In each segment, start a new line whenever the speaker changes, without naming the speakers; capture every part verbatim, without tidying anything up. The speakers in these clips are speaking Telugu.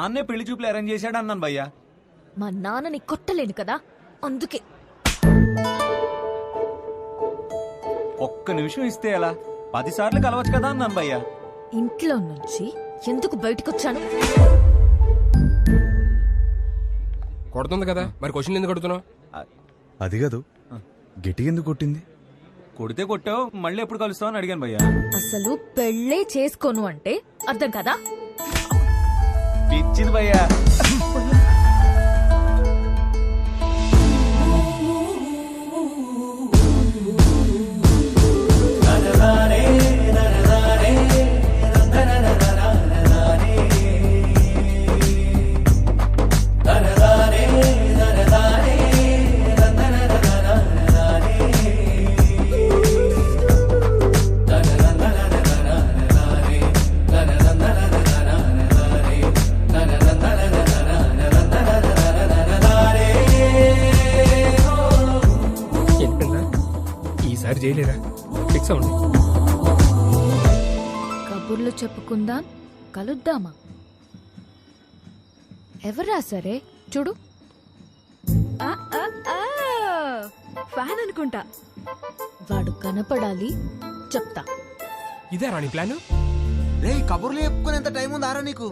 నాన్నే పెళ్లి చూపులు అరేంజ్ చేశాడు అన్నాను భయ్యా.
మా నాన్నని కొట్టలేను కదా, అందుకే.
ఒక్క నిమిషం ఇస్తే ఎలా? పది సార్లు కలవచ్చు కదా అన్నాను భయ్యా.
ఇంట్లో నుంచి ఎందుకు బయటకొచ్చాను?
కొడుతుంది కదా, మరి క్వశ్చన్ ఎందుకు కొడుతున్నావు?
అది కాదు, గట్టి ఎందుకు కొట్టింది?
కొడితే కొట్టావు, మళ్ళీ ఎప్పుడు కలుస్తావు అని అడిగాను భయ్యా.
అసలు పెళ్ళే చేసుకోను అంటే అర్థం కదా?
పిచ్చింది భయ్యా.
ఈసారి చేయలేరా? ఫిక్స్ అవ్వండి.
కబుర్లు చెప్పుకుందాం, కలుద్దామా? ఎవరా సరే చూడు. ఆ, ఆ, ఆ, ఫ్యాన్ అనుకుంటా. వాడు కనపడాలి, చెప్తా.
ఇదే రాణి ప్లాన్.
రే కబుర్లు చెప్పుకునేంత టైం ఉందారా నీకు?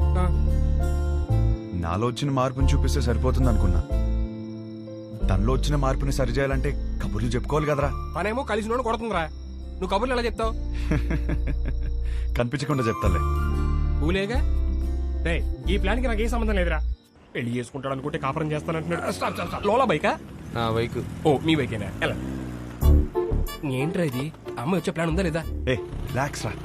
నాలో వచ్చిన మార్పుని చూపిస్తే సరిపోతుంది అనుకున్నా. తనలో వచ్చిన మార్పుని సరిచేయాలంటే కబుర్లు చెప్పుకోవాలి కదరా.
పనేమో కలిసి నోడు కొడుతుందిరా, నువ్వు కబుర్లు ఎలా చెప్తావు?
కనిపించకుండా చెప్తాలే.
ఊలేగా రే, ఈ ప్లాన్ కి నాకు ఏ సంబంధం లేదురా. పెళ్లి చేసుకుంటాడు అనుకుంటే కాపురం చేస్తానంటున్నాడు. Stop stop stop. లోలా బైకా?
నా బైక్.
ఓ మీ బైకేనా? ఎలా ఏంట్రా ఇది? అమ్మ వచ్చే ప్లాన్ ఉందా లేదా?
ఏ రిలాక్స్ రా.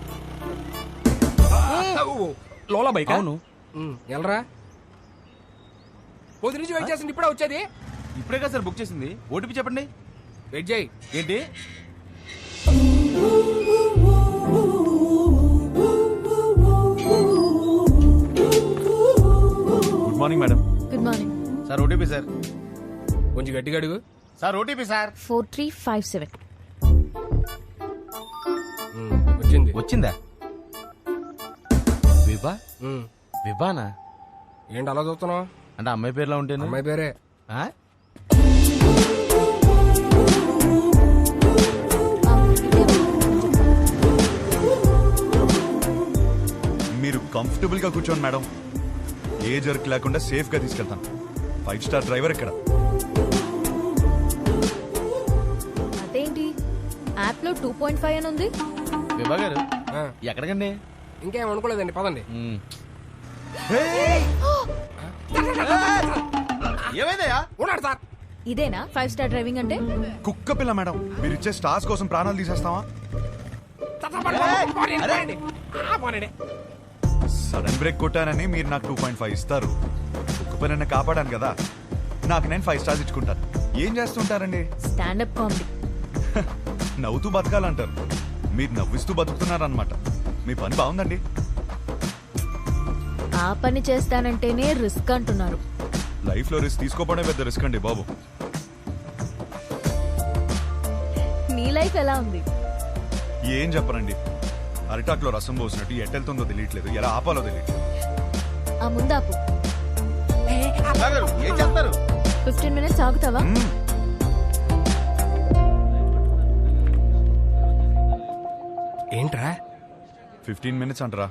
Lola bike?
అవును.
ఎలరా పొద్దు నుంచి వెయిట్ చేస్తుంది, ఇప్పుడే వచ్చేది.
ఇప్పుడే కదా సార్ బుక్ చేసింది. ఓటీపీ చెప్పండి.
వెయిట్ చేయి.
ఏంటి? Good morning madam.
Good morning
sir OTP sir.
కొంచెం గట్టిగా అడుగు.
Sir OTP sir.
Four three five seven.
వచ్చింది.
వచ్చిందా? విభా?
ఉమ్.
విభానా?
ఏంటి అలా చూస్తున్నావు?
అంటే అమ్మాయి పేరులో ఉంటేనే.
అమ్మాయి పేరే.
ఆ?
మీరు కంఫర్టబుల్ గా కూర్చోండి మేడం. ఏ జర్క్ లేకుండా సేఫ్ గా తీసుకెళ్తాను. ఫైవ్ స్టార్ డ్రైవర్ ఇక్కడ.
అదేంటి యాప్ లో టూ పాయింట్ ఫైవ్ అని ఉంది?
విభా గారు
ఆ,
ఎక్కడికండి?
ఇంకేం అనుకోలేదండి, పదండి.
ఏమైందయ్యా?
ఉన్నాడు సార్.
ఇదేనా ఫైవ్ స్టార్ డ్రైవింగ్ అంటే?
కుక్క పిల్ల మేడం, మీరు ఇచ్చే స్టార్స్ కోసం ప్రాణాలు తీసేస్తావా? సడన్ బ్రేక్ కొట్టానని మీరు నాకు టూ పాయింట్ ఫైవ్ ఇస్తారు. కుక్క పిల్లని కాపాడాను కదా, నాకు నేను ఫైవ్ స్టార్స్ ఇచ్చుకుంటాను. ఏం చేస్తుంటారండి?
Standup comedy.
నవ్వుతూ బతకాలంటారు, మీరు నవ్విస్తూ బతుకుతున్నారనమాట. మీ పని బాగుందండి.
ఆ పని చేస్తానంటేనే రిస్క్ అంటున్నారు.
లైఫ్ లో రిస్క్ తీసుకోవడమే పెద్ద రిస్క్ అండి బాబు.
నీ లైఫ్ ఎలా ఉంది?
ఏం చెప్పరండి, అరిటాక్లో రసం పోసినట్టు ఎట్టెళ్తుందో తెలియట్లేదు, ఎలా ఆపాలో తెలియట్లేదు.
ఆ ముందాపు.
ఏం చేస్తారు?
ఫిఫ్టీన్ మినిట్స్ ఆగుతావా?
మ్మ్.
ఏంట్రా
ఫిఫ్టీన్ మినిట్స్ అంటారా?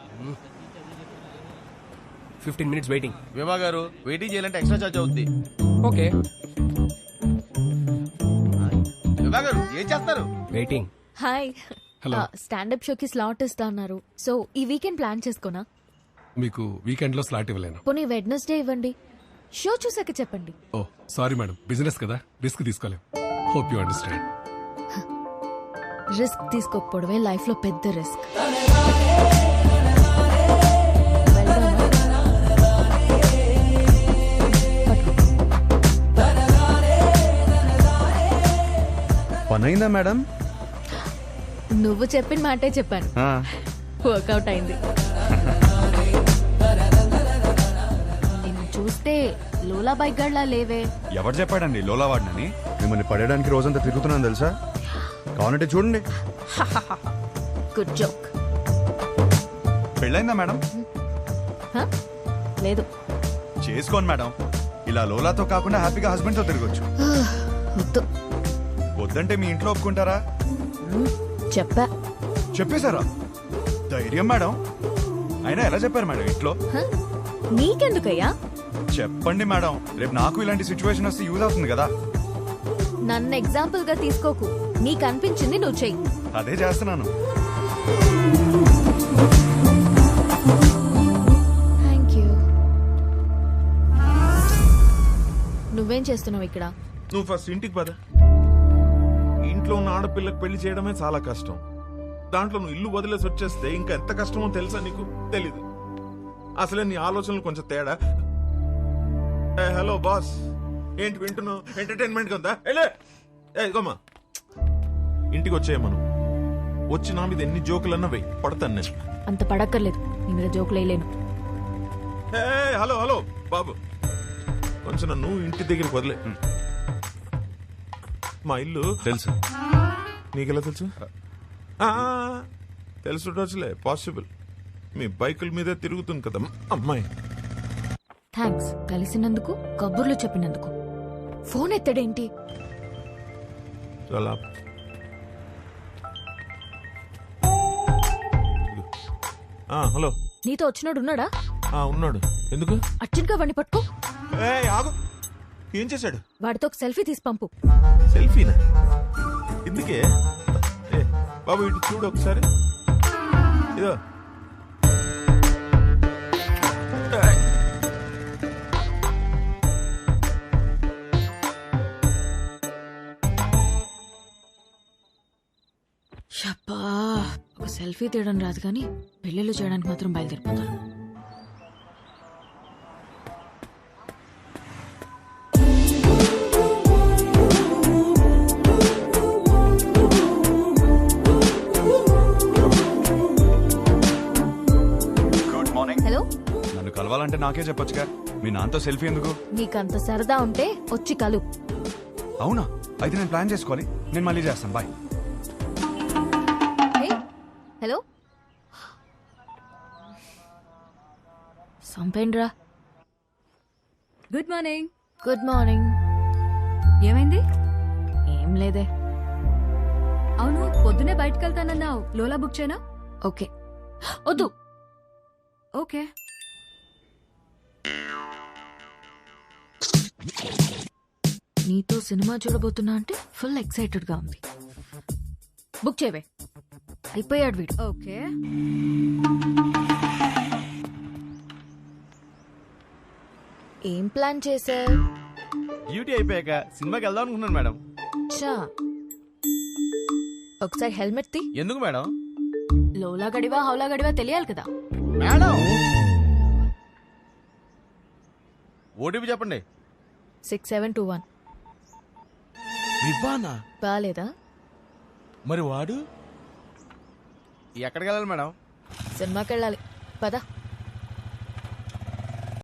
Fifteen minutes waiting.
విభా గారు వెయిటింగ్ చేయాలంటే ఎక్స్ట్రా చార్జ్ అవుద్ది.
ఓకే
విభా గారు ఏం చేస్తారు?
వెయిటింగ్.
హాయ్. స్టాండప్ షోకి స్లాట్ ఇస్తా అన్నారు, సో ఈ వీకెండ్ ప్లాన్ చేసుకోనా?
మీకు వీకెండ్ లో స్లాట్ ఇవ్వలేను.
పోనీ వెడ్నెస్డే ఇవ్వండి, షో చూసాక చెప్పండి.
ఓ సారీ మేడం, బిజినెస్ కదా, రిస్క్ తీసుకోలేం. Hope you understand.
రిస్క్ తీసుకోకపోవడమే లైఫ్ లో పెద్ద రిస్క్.
పనైందా మేడం?
నువ్వు చెప్పిన మాటే చెప్పాను, వర్కౌట్ అయింది. నిన్ను చూస్తే లోలా బైక్ గడ్లా లేవే.
ఎవరు చెప్పాడండి లోలా వాడినని? మిమ్మల్ని పడేయడానికి రోజంతా తిరుగుతున్నాను తెలుసా. కావాలంటే చూడండి.
Good joke.
పెళ్ళైందా మేడం?
లేదు.
చేసుకోండి మేడం. ఇలా లోలాతో కాకుండా హ్యాపీగా హస్బెండ్తో తిరగొచ్చు.
వద్దు.
వద్దంటే మీ ఇంట్లో ఒప్పుకుంటారా?
మ్మ్, చెప్పా.
చెప్పేశారా? ధైర్యం మేడం. అయినా ఎలా చెప్పారు మేడం ఇంట్లో?
హ? నీకెందుకయ్యా?
చెప్పండి మేడం, రేపు నాకు ఇలాంటి సిచ్యువేషన్ వస్తే యూజ్ అవుతుంది కదా.
నన్ను ఎగ్జాంపుల్ గా తీసుకోకు. నీకు అనిపించింది నువ్వు చెయ్యి.
అదే చేస్తున్నాను.
Thank you. నువ్వేం చేస్తున్నావు ఇక్కడ?
నువ్వు ఫస్ట్ ఇంటికి పద. ఇంట్లో ఉన్న ఆడపిల్లకి పెళ్లి చేయడమే చాలా కష్టం. దాంట్లో నువ్వు ఇల్లు వదిలేసి వచ్చేస్తే ఇంకా ఎంత కష్టమో తెలుసా నీకు? తెలీదు. అసలే నీ ఆలోచనలు కొంచెం తేడా. ఏ, హలో బాస్, ఏంటి వింటున్నావు? ఎంటర్టైన్మెంట్ కొందా? ఏమా ఇంటికి వచ్చాయి మనం. వచ్చి నా మీద ఎన్ని జోకులన్నా వెయ్యి, పడతాను నేను.
అంత పడక్కర్లేదు. నీ మీద జోకులు వేయలేను.
ఏ, హలో హలో బాబు, కొంచెం నన్ను ఇంటి దగ్గరికి వదిలే. మా ఇల్లు
తెలుసు.
నీకెలా తెలుసు? ఆ, తెలుసులే, పాసిబుల్. మీ బైకుల మీదే తిరుగుతుంది కదా అమ్మాయి.
థ్యాంక్స్ కలిసినందుకు, కబుర్లు చెప్పినందుకు. ఫోన్ ఎత్తడేంటి?
చాలా ఆ, హలో.
నీతో వచ్చినోడు ఉన్నాడా?
ఆ, ఉన్నాడు. ఎందుకు?
అర్జున్ గా వాడిని పట్టుకో.
ఏ, ఆగు. ఏం చేశాడు?
వాడితో ఒక సెల్ఫీ తీసి పంపు.
సెల్ఫీనా? ఎందుకే? ఏ బాబు, ఇటు చూడు ఒకసారి. ఇదో
షబ్బా, ఒక సెల్ఫీ తీయడం రాదు కానీ పెళ్ళిళ్ళు చేయడానికి మాత్రం బయలుదేరిపోతాను.
Good morning.
హలో.
నన్ను కలవాలంటే నాకే చెప్పొచ్చుగా. మీ నాన్నతో సెల్ఫీ ఎందుకు?
నీకంత సరదా ఉంటే వచ్చి కలు.
అవునా? అయితే నేను ప్లాన్ చేసుకోవాలి. నేను మళ్ళీ చేస్తాను. బాయ్.
హలో. సంపేండ్రా.
Good morning.
Good morning.
ఏమైంది?
ఏం లేదే.
అవును, పొద్దునే బయటకు వెళ్తానన్నావు. లోలా బుక్ చేయనా?
ఓకే. వద్దు.
ఓకే.
నీతో సినిమా చూడబోతున్నా అంటే ఫుల్ ఎక్సైటెడ్ గా ఉంది. బుక్ చేయవే. అయిపోయాడు వీడు.
ఓకే.
ఏం ప్లాన్ చేశా?
డ్యూటీ అయిపోయాక సినిమాకి వెళ్దాం అనుకున్నాను మేడం.
చా, ఒకసారి హెల్మెట్ తీ.
ఎందుకు మేడం?
లోలా గడివా హౌలా గడివా తెలియాలి కదా.
మేడం, ఓటీపీ చెప్పండి.
Six seven two one.
వివ్వానా?
బాలేదా?
మరి వాడు ఎక్కడికి వెళ్ళాలి మేడం?
సినిమాకి వెళ్ళాలి. పద.